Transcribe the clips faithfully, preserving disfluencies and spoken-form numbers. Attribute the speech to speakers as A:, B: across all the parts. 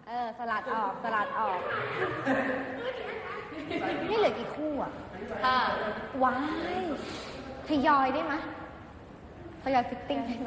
A: เออสลัดออกสลัดออกนี่เหลือกี่คู่อ่ะค่ะว้ายทยอยได้ไหมทยอยฟิตติ้งได้ไหม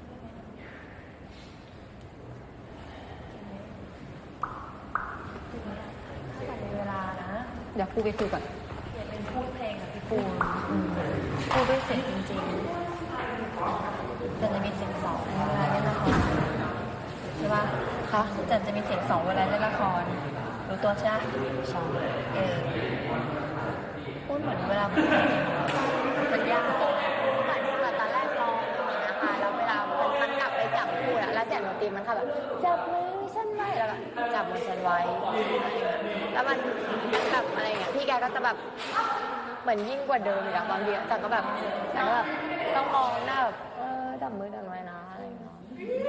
B: เวลานะ
A: เดี๋ยวครูไปคุยก่อน
B: อยากเป็นพูดเพลงกับพี่ปูนพูดด้วยเสียงจริงๆแต่จะมีเสียงสองเวลาเล่นละครใช่ป่ะคะจันจะมีเสียงสองเวลาเล่นละครรู้ตัวใช่ไหมสองเออพูดเหมือนเวลามันยากเหมือนเหมือนตอนแรกร้องอย่างเงี้ยค่ะแล้วเวลามันมันกลับไปจับพูดอะแล้วเสียงดนตรีมันค่ะแบบจับมือฉันไว้แล้วแบบจับมือฉันไว้แล้วมันมันแบบอะไรเงี้ยพี่แกก็จะแบบเหมือนยิ่งกว่าเดิมอีกอะบางทีแต่ก็แบบแต่ก็แบบต้องมองหน้าแบบเออจับมือกันไว้นะอะไรเงี้ย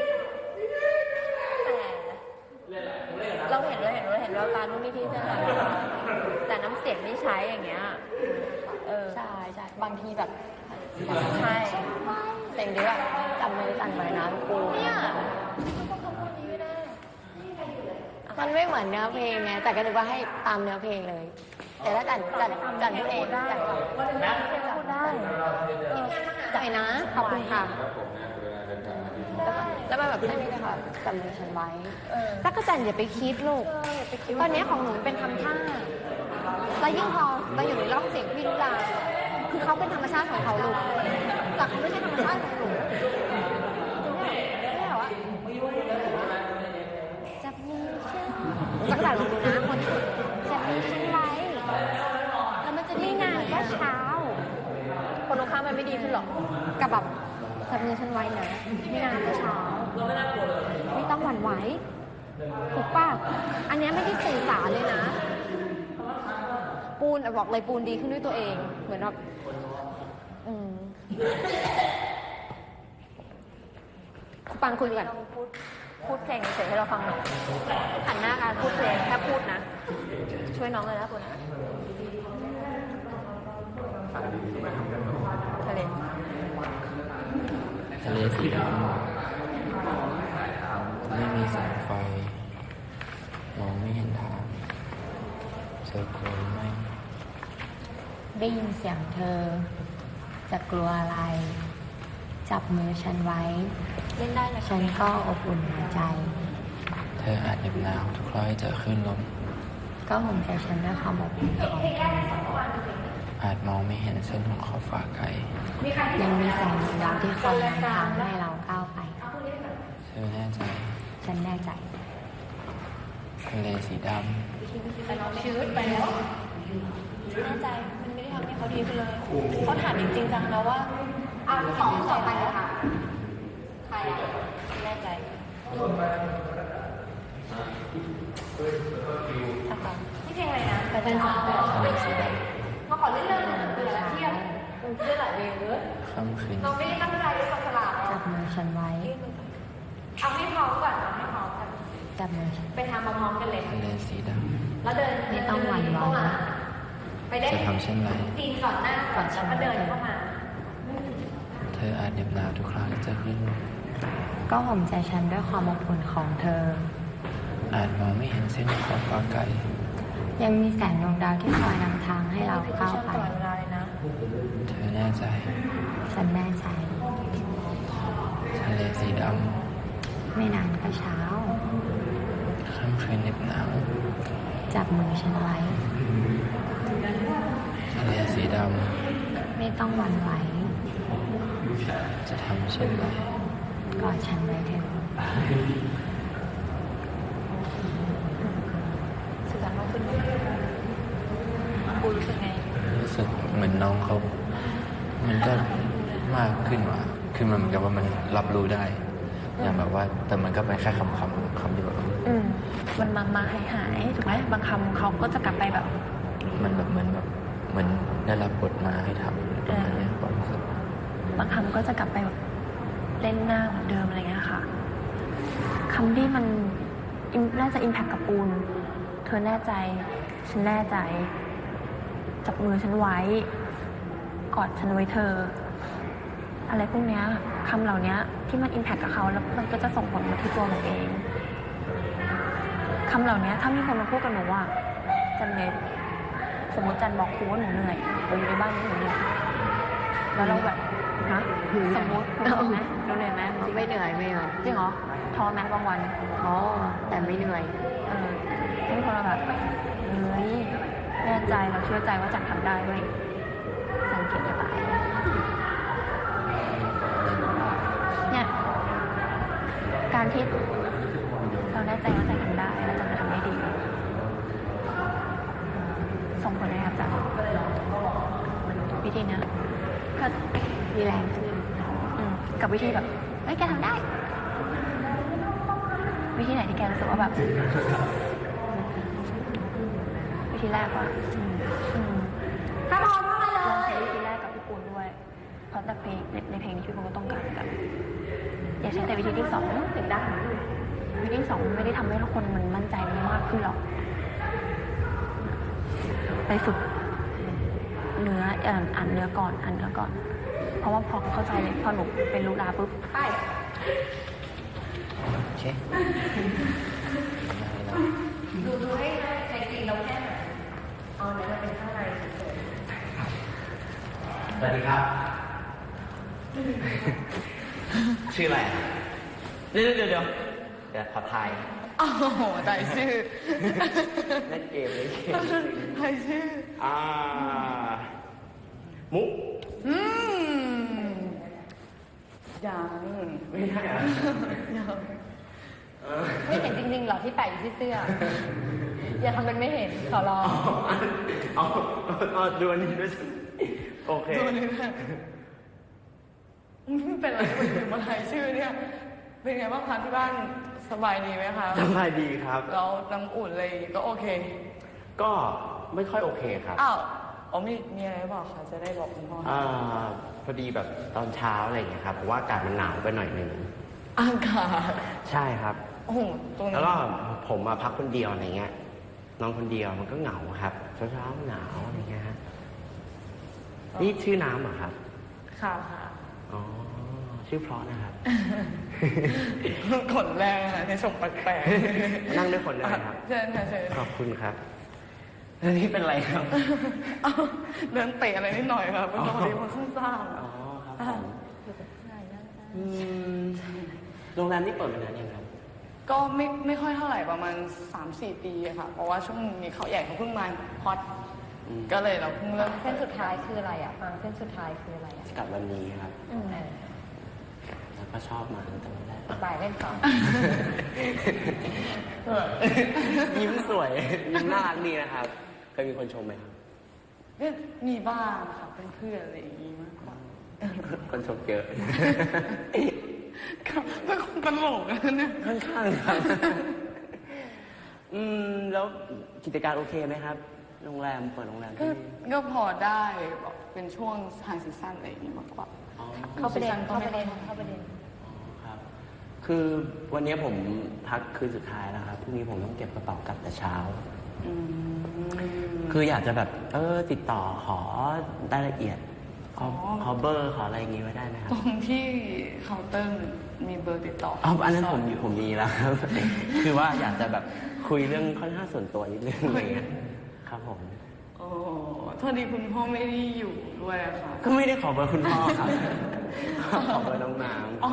B: แต่เราเห็นเราเห็นเราเห็นเราตานุ่นนี่ที่จะแต่น้ำเสียงที่ใช้อย่างเงี้ยเออใช่ใช่บางทีแบบใช่เสียงดีแบบจับมือสั่นไว้นะกูเนี่ยต้องคำพูดนี้ไม่ได้มันไม่เหมือนเนื้อเพลงไงแต่ก็นึกว่าให้ตามเนื้อเพลงเลยแต่ถ้าจันจันจันพูดเองจันนะพูดได้ใจนะขอบคุณค่ะแล้วมันแบบไม่ได้ค่ะจับมือฉันไว้จักรจันอย่าไปคิดลูกตอนนี้ของหนูเป็นทำท่าแล้วยิ่งพอเราอยู่ในร่องเสียงพี่ลุลาคือเขาเป็นธรรมชาติของเขาลูกแต่เขาไม่ใช่ธรรมชาติของหนูไม่เหรอวะจับมือฉันจักรจันลองดูนะคนจับมือฉันไว้แล้วมันจะได้นานก็เช้าคนตรงข้ามมันไม่ดีขึ้นหรอกับแบบจับมือฉันไว้นะไม่นานก็เช้าไม่ต้องหวั่นไหวถูกป่ะอันนี้ไม่ได้สื่อสารเลยนะปูนบอกเลยปูนดีขึ้นด้วยตัวเองเหมือนแบบอืมปังคุยกันพูดพูดเพลงเฉยให้เราฟังหน่อยหันหน้าการพูดเพลงแค่พูดนะช่วยน้องเลยนะคุณนะทะเล
C: ทะเลสีดำไม่มีแสงไฟมองไม่เห็นทางเธอกลัวไหม
A: ได้ยินเสียงเธอจะกลัวอะไรจับมือฉันไว้เล่นได้ฉันก็อบอุ่นหัวใจ
C: เธออาจเหน็บหนาวทุกครั้งที่เธอขึ้นลม
A: ก็ห่มใจฉันด้วยความอบอุ่นของเธอ
C: อาจมองไม่เห็นเส้นของขอบฟ้าไกล
A: ยังมีแสงดาวที่คอยนำทางให้เราก้าวไป
C: เธอแน่ใจ
A: ฉันแน่ใจ
C: ทะเลสีดำ
B: ชีวิตไปแล้วแน่ใจมันไม่ได้ทำให้เขาดีขึ้นเลยเขาถามจริงๆจังแล้วว่าอ้าวที่สองต่อไปเลยค่ะใครอ่ะแน่ใจนี่เพลงอะไรนะไปเป็นสาว
C: ทะเลสีดำ
B: มาขอเล่นเรื่องเบื่อแล้วเที่ยงมันเรื่องหลายเพลงเลย
C: ค่ำคืน
B: เราไม่ได้ตั้งใจด้วยความฉลาด
A: จับมือฉันไว้
B: เอาให้พร้อมก่อนเอาให้พร้อมกัน
A: จับมือฉัน
B: ไปทำพร้อมๆกันเลย
C: ทะเลสีด
B: ำแล้วเดิน
A: ไม่ต้องหวั่นไหว
B: ไปได้
C: จะทำเช่นไร
B: ตีนก่อนหน้าก่อนแล้วก็เดินเข้ามา
C: เธออาจเหน็บหนาวทุกครั้งที่เธอขึ้นลม
A: ก็ห่มใจฉันด้วยความอบอุ่นของเธอ
C: อาจมองไม่เห็นเส้นขอบฟ้าไกล
A: ยังมีแสงดวงดาวที่คอยนำทางให้เราก้าวไป
C: เธอแน่ใจ
A: ฉันแน่ใจ
C: ทะเลสีด
A: ำไม่นานก็เช้า
C: ค่ำคืนเหน็บหนาว
A: จับมือฉันไว้
C: ทะเลสีด
A: ำไม่ต้องหวั่นไหว
C: จะทำเช่นไร
A: กอดฉันไว้เถอะ
B: สื่อสารมากขึ้นปูรู้สึกไง
C: รู้สึกเหมือนน้องเขามันก็มากขึ้นว่ะคือมันเหมือนกับว่ามันรับรู้ได้อย่างแบบว่าแต่มันก็เป็นแค่คำคำคำที่แบบ
B: อืมมันมามาหายหายถูกไหมบางคำเขาก็จะกลับไปแบบ
C: มันแบบเหมือนแบบเหมือนได้รับบทมาให้ทำประมาณนี้ความรู้สึก
B: บางคำก็จะกลับไปแบบเล่นหน้าเหมือนเดิมอะไรเงี้ยค่ะคำที่มันน่าจะอิมแพคกับปูนเธอแน่ใจฉันแน่ใจจับมือฉันไว้กอดฉันไว้เธออะไรพวกเนี้ยคำเหล่านี้ที่มันอิมแพคกับเขาแล้วมันก็จะส่งผลมาที่ตัวหนูเองคำเหล่านี้ถ้ามีคนมาพูดกับหนูว่าจันเนยสมมติจันบอกครูว่าหนูเหนื่อยเราอยู่ในบ้านนี้หนูเหนื่อยแล้วเราแบบฮะสมมติหนูเหนื่อยไหมเราเหนื่อยไหม
A: ไม่เหนื่อยไม่เหนื่อย
B: จริงเหรอท้อไหมบางวัน
A: อ๋อแต่ไม่เหนื่อย
B: เออที่คนเราแบบเฮ้ยแน่ใจเราเชื่อใจว่าจันทำได้เว้ยจันเก่งจะตายเนี่ยการที่เราแน่ใจว่าจันทำได้แล้วจันจะทำได้ดีส่งผลให้กับจันวิธีเนี้ยก็
A: มีแรงขึ้น
B: อืมกับวิธีแบบเฮ้ยแกทำได้ วิธีไหนที่แกรู้สึกว่าแบบ วิธีแรกว่าอืมอืม
A: ถ้าพร้อมมาเล
B: ลอง
A: ย
B: ใช้วิธีแรกกับพี่ปูนด้วย เพราะแต่เพลงในในเพลงนี้พี่ปูนก็ต้องการแบบอย่าใช้แต่วิธีที่สองถึงได้วิธีที่สองไม่ได้ทำให้ทุกคนมันมั่นใจมากขึ้นหรอกไปฝึกเนื้อเอ่ออ่านเนื้อก่อนอ่านเนื้อก่อน เพราะว่าพอเข้าใจเลยพอหนูเป็นลูกดาปุ๊บ
A: ไป
C: โอเค
A: ดูดูให้ใจจริงเราแค่ไหนเอาไหนมาเป็นข้างในเฉย
C: สวัสดีครับ ชื่ออะไรอะเดี๋ยวเดี๋ยวเดี๋ยวเดี๋ยวขอทาย
B: โอ้โหใจชื่อ
C: เล่นเกมเล่นเกม
B: ใจชื่อ
C: อ่า มุก
B: อืมยัง
C: ไม่ได้เหรอ
B: ยัง
C: เออ
A: ไม่เห็นจริงๆหรอที่แปะอยู่ที่เสื้อ อย่าทำเป็นไม่เห็นขอร้อง
C: เอาเอาดูอันนี้ด้วยสิโอเค
B: ตัวนี้แหละไม่เป็นไรคนอื่นมาทายชื่อเนี่ย เป็นไงบ้างคะที่บ้านสบายดีไหมคะ
C: สบายดีครับ
B: แล้วน้ำอุ่นอะไรก็โอเค
C: ก็ไม่ค่อยโอเคครับ
B: อ้าวอ๋อมีมีอะไรบอกคะจะได้บอกคุณพ่อ
C: อ่าพอดีแบบตอนเช้าอะไรอย่างเงี้ยครับ เพราะว่าอากาศมันหนาวไปหน่อยหนึ่ง
B: อากาศ
C: ใช่ครับ
B: โอ้โหตรงนี้
C: แล้วก็ผมมาพักคนเดียวอะไรเงี้ย นอนคนเดียวมันก็เหงาครับ เช้าเช้าๆหนาวอะไรเงี้ยฮะนี่ชื่อน้ำเหรอครับ
B: ค่ะค่ะ
C: อ๋อ ชื่อเพราะนะครับ
B: ขนแรงอะในส่งแปลกๆ
C: นั่งด้วยคนได้ไหมครับ
B: เชิญค่ะเชิญ
C: ขอบคุณครับแล้วนี่เป็นไรครับ
B: เอ้าเดินเตะอะไรนิดหน่อยครับเมื่อตอนนี้มันซุ่มซ่าม
C: อ๋อครับผมอืมโรงแรมนี่เปิดมานานยังครับ
B: ก็ไม่ไม่ค่อยเท่าไหร่ประมาณ สามสี่ ปีอะค่ะ เพราะว่าช่วงนี้เขาใหญ่เขาเพิ่งมาฮอต
C: อืม
B: ก็เลยเราเพิ่งเริ่ม
A: เส้นสุดท้ายคืออะไรอ่ะฟังเส้นสุดท้ายคืออะไรอ่ะ
C: กลับวันนี้ครับ
A: อืม
C: แล้วก็ชอบมาตั้งแต่วันแรก
A: บ่ายเล่นต่อ
C: ยิ้มสวย ยิ้มน่ารักดีนะครับ เคยมีคนชมไหมครับ
B: ก็มีบ้างค่ะเป็นเพื่อนอะไรอย่างงี้มากกว่า
C: คนชมเยอะ
B: ครับเป็นคนตลกนะเนี่ย
C: ค่อนข้างครับ อืม แล้วกิจการโอเคไหมครับ โรงแรมเปิดโรงแรม
B: ก็
C: ที่
B: ก็พอได้แบบเป็นช่วงทางซีซั่นอะไรอย่างงี้มากกว่า
C: อ๋อ
A: เข้าประเด็น
B: ก็
A: เข้า
B: ไม่
A: ประเด็น
B: ค่อย
A: เข้าประเด็น
C: ครับ คือวันนี้ผมพักคืนสุดท้ายแล้วครับ พรุ่งนี้ผมต้องเก็บกระเป๋ากลับแต่เช้า
B: อืม
C: คืออยากจะแบบ เออ ติดต่อขอรายละเอียด ขอ
B: อ๋อ
C: ขอเบอร์ขออะไรอย่างงี้ไว้ได้ไหมครั
B: ต
C: บ
B: รงที่เคาน์เตอร์มีเบอร์ติดต่อ
C: อ๋ออันนั้นผมผมมีแล้วครับ คือว่าอยากจะแบบคุยเรื่องค่อนข้างส่วนตัวนิดนึงอะไรเงี้ย ครับผม
B: โอ้โทษดีคุณพ่อไม่ได้อยู่ด้วยอะค่ะ
C: ก็ไม่ได้ขอเบอร์คุณพ่อครับ ขอเบอร์น้องน้
B: อ๋อ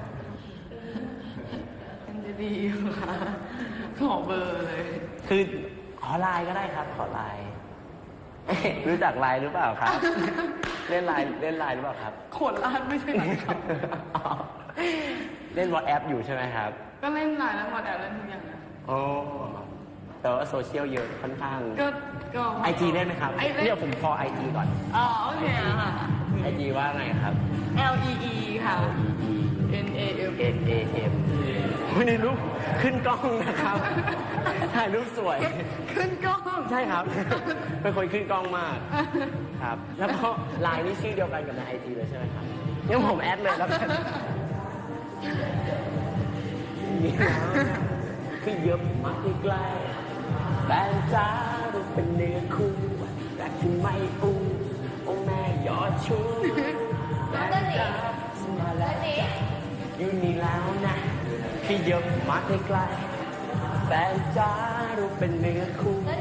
B: มันจะดีอยู่ค่ะขอเบอร์เลย
C: ำคือขอไลน์ก็ได้ครับ ขอไลน์ รู้จักไลน์หรือเปล่าครับ เล่นไลน์เล่นไลน์หรือเปล่าครับ
B: โขนลาดไม่ใช่หรอครับ
C: เล่นวอทแอปอยู่ใช่ไหมครับ
B: ก็เล่นไลน์แล้วหมดแอปเล่นทุกอย่างนะ
C: โอ้แต่ว่าโซเชียลเยอะค่อนข้าง
B: ก็ก็
C: ไอจีเล่นไหมครับ
B: ไอเล่น
C: เดี๋ยวผมขอไอจีก่อน
B: อ๋อโอเคอะค่ะ
C: ไอจีว่าไงครับ
B: L E E ค่ะ
C: E
B: N A M
C: N A M วันนี้รูปขึ้นกล้องนะครับ ถ่ายรูปสวย
B: ขึ้นกล้อง
C: ใช่ครับ เป็นคนขึ้นกล้องมาก ครับ แล้วก็ไลน์นี่ชื่อเดียวกันกับในไอจีเลยใช่ไหมครับงั้นผมแอดเลยแล้วกันนี่นะคือเยอะมากใกล้แฟนจ้าดูเป็นเนื้อคู่แต่ที่ไม่อู้โอ้แม่ยอดชูแฟนจ้ามาแล้วอยู่นี่แล้วนะคือเยอะมากใกล้แฟนจ้าเป็นเนื้อคู่
B: แล้ว